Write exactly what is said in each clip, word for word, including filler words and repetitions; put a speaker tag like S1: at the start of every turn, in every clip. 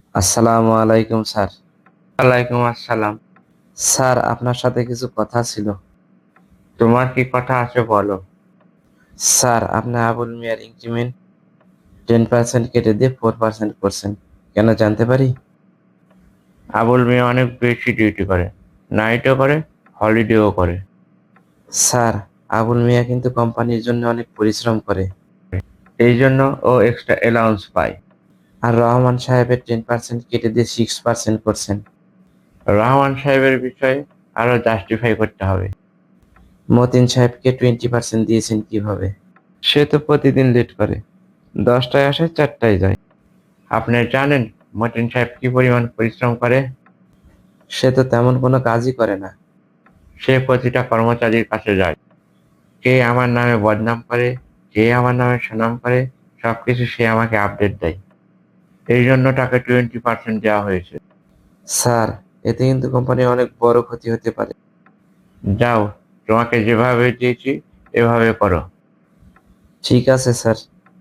S1: আসসালামু আলাইকুম স্যার।
S2: ওয়ালাইকুম আসসালাম।
S1: স্যার আপনার সাথে কিছু কথা ছিল।
S2: তোমার কি কথা আছে বলো।
S1: স্যার আপনি আবুল মিয়ার ইনক্রিমেন্ট টেন পার্সেন্ট কেটে দিয়ে ফোর পার্সেন্ট করছেন। কেন জানতে পারি?
S2: আবুল মিয়া অনেক বেশি ডিউটি করে, নাইটও করে, হলিডেও করে।
S1: স্যার আবুল মিয়া কিন্তু কোম্পানির জন্য অনেক পরিশ্রম করে।
S2: এই জন্য ও এক্সট্রা অ্যালাউন্স পায়।
S1: আর রহমান সাহেবের টেন পার্সেন্ট কেটে দিয়ে সিক্স পার্সেন্ট করছেন।
S2: রহমান সাহেবের বিষয়ে আরো জাস্টিফাই করতে হবে।
S1: মতিন সাহেবকে টোয়েন্টি পার্সেন্ট দিয়েছেন কিভাবে? সে তো প্রতিদিন লেট করে, দশটায় আসে চারটায় যায়।
S2: আপনি জানেন মতিন সাহেব কি পরিমাণ পরিশ্রম করে?
S1: সে তো তেমন কোনো কাজই করে না।
S2: সে প্রতিটা কর্মচারীর কাছে যায়, কে আমার নামে বদনাম করে, কে আমার নামে সুনাম করে, সবকিছু সে আমাকে আপডেট দেয়। এই জন্য তাকে টোয়েন্টি পার্সেন্ট দেওয়া হয়েছে।
S1: স্যার এতে কিন্তু কোম্পানির অনেক বড় ক্ষতি হতে পারে।
S2: যাও, তোমাকে যেভাবে দিয়েছি এভাবে করো।
S1: ঠিক আছে স্যার।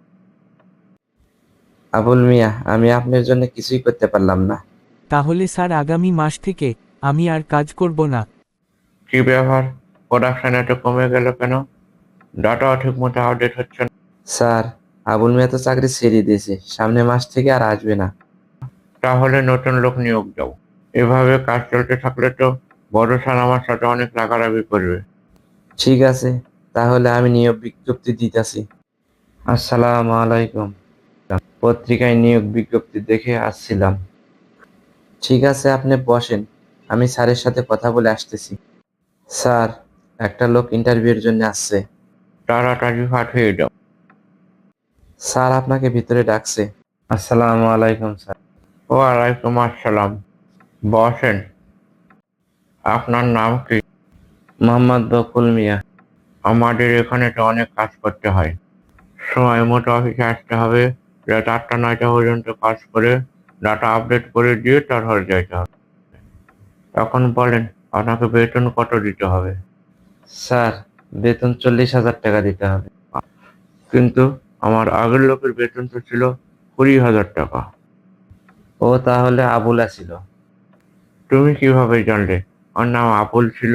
S1: আবুল মিয়া, আমি আপনার জন্য কিছুই করতে পারলাম না।
S3: তাহলে স্যার আগামী মাস থেকে আমি আর কাজ করব না।
S2: কি ব্যাপার, প্রোডাকশন এত কমে গেল কেন? ডাটাও ঠিক মতো আপডেট হচ্ছে না।
S1: স্যার আবুল মিয়া তো চাকরি ছেড়ে দিয়েছে, সামনের মাস থেকে আর আসবে না।
S2: তাহলে নতুন লোক নিয়োগ দাও। এভাবে কাজ চলতে থাকলে তো বড় স্যার আমার সাথে অনেক রাগারাগি করবে।
S1: ঠিক আছে, তাহলে আমি নিয়োগ বিজ্ঞপ্তি দিতেছি। আসসালামু আলাইকুম। পত্রিকায় নিয়োগ বিজ্ঞপ্তি দেখে আসছিলাম। ঠিক আছে, আপনি বসেন, আমি স্যারের সাথে কথা বলে আসতেছি। স্যার, একটা লোক ইন্টারভিউর জন্য আসছে।
S2: তাড়াতাড়ি পাঠিয়ে দাও।
S1: স্যার আপনাকে ভিতরে ডাকছে। আসসালামু আলাইকুম স্যার।
S2: ওয়ালাইকুম আসসালাম। বসেন। আপনার নাম কি?
S1: মোহাম্মদ বকুল মিয়া।
S2: আমাদের এখানে তো অনেক কাজ করতে হয়, সময় মতো অফিসে আসতে হবে, রাত আটটা নয়টা পর্যন্ত কাজ করে ডাটা আপডেট করে দিয়ে তারপর যেতে হবে। এখন বলেন, আপনাকে বেতন কত দিতে হবে?
S1: স্যার বেতন চল্লিশ হাজার টাকা দিতে হবে।
S2: কিন্তু আমার আগের লোকের বেতন তো ছিল কুড়ি হাজার টাকা।
S1: ও তাহলে আবুলা ছিল।
S2: তুমি কিভাবে জানলে ওর নাম আবুল ছিল?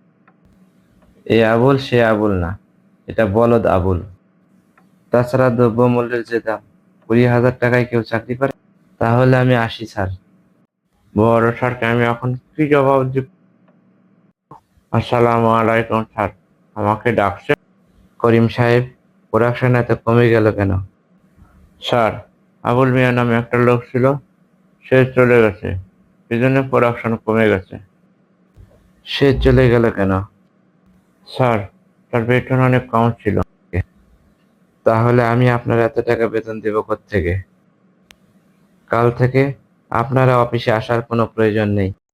S1: এ আবুল সে আবুল না, এটা বলদ আবুল। তাছাড়া দ্রব্যমূল্যের যে দাম, কুড়ি হাজার টাকায় কেউ চাকরি করে? তাহলে আমি আসি স্যার।
S2: বড় স্যারকে আমি এখন কি জবাব দিব? আসসালামু আলাইকুম স্যার, আমাকে ডাকছে?
S1: করিম সাহেব, প্রোডাকশন এত কমে গেল কেন?
S2: স্যার, আবুল মিয়া নামে একটা লোক ছিল, সে চলে গেছে, সেজন্য প্রোডাকশন কমে গেছে।
S1: সে চলে গেল কেন?
S2: স্যার, তার বেতন অনেক কম ছিল।
S1: তাহলে আমি আপনার এত টাকা বেতন দেব কোত্থেকে? কাল থেকে আপনারা অফিসে আসার কোনো প্রয়োজন নেই।